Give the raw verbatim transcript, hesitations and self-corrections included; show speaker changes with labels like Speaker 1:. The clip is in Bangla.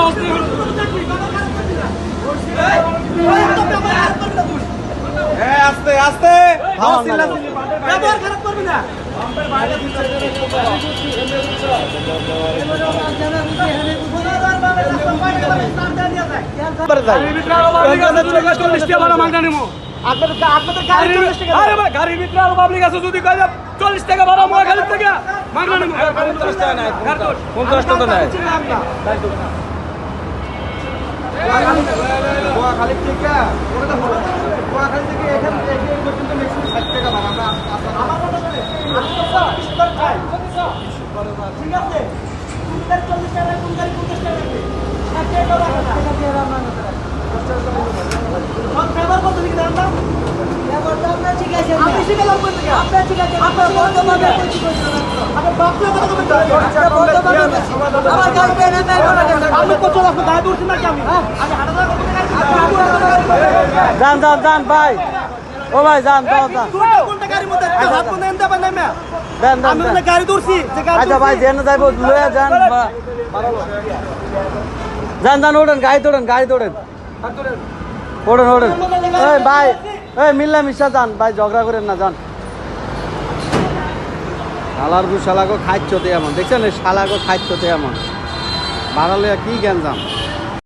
Speaker 1: আস্তে আস্তে
Speaker 2: গাড়ির ভিতরে আরো পাবলিক আছে যদি চল্লিশ টাকা ভাড়া মহাখালীর থেকে
Speaker 1: পঞ্চাশ টাকা নেয়
Speaker 3: খালি থেকে খালি থেকে এখানে পর্যন্ত ম্যাক্সিমাম ষাট টাকা ভাড়া আমরা ঠিক আছে চল্লিশ টাকা পঞ্চাশ টাকা
Speaker 4: যান যান যান ভাই ও ভাই যান যান যান
Speaker 3: গাড়ি ধরছি
Speaker 4: আচ্ছা ভাই যেন যাইব লয়ে যান যান যান ওঠেন গাড়ি তোড়েন গাড়ি তোড়েন ওঠেন ওঠেন এই ভাই এই মিল্লা মিশা যান ভাই ঝগড়া করেন না যান শালার গু শালাগো খাইচ্ছতে এমন দেখছেন শালাগো খাইচ্ছতে এমন বাড়ালে কি জ্ঞান যান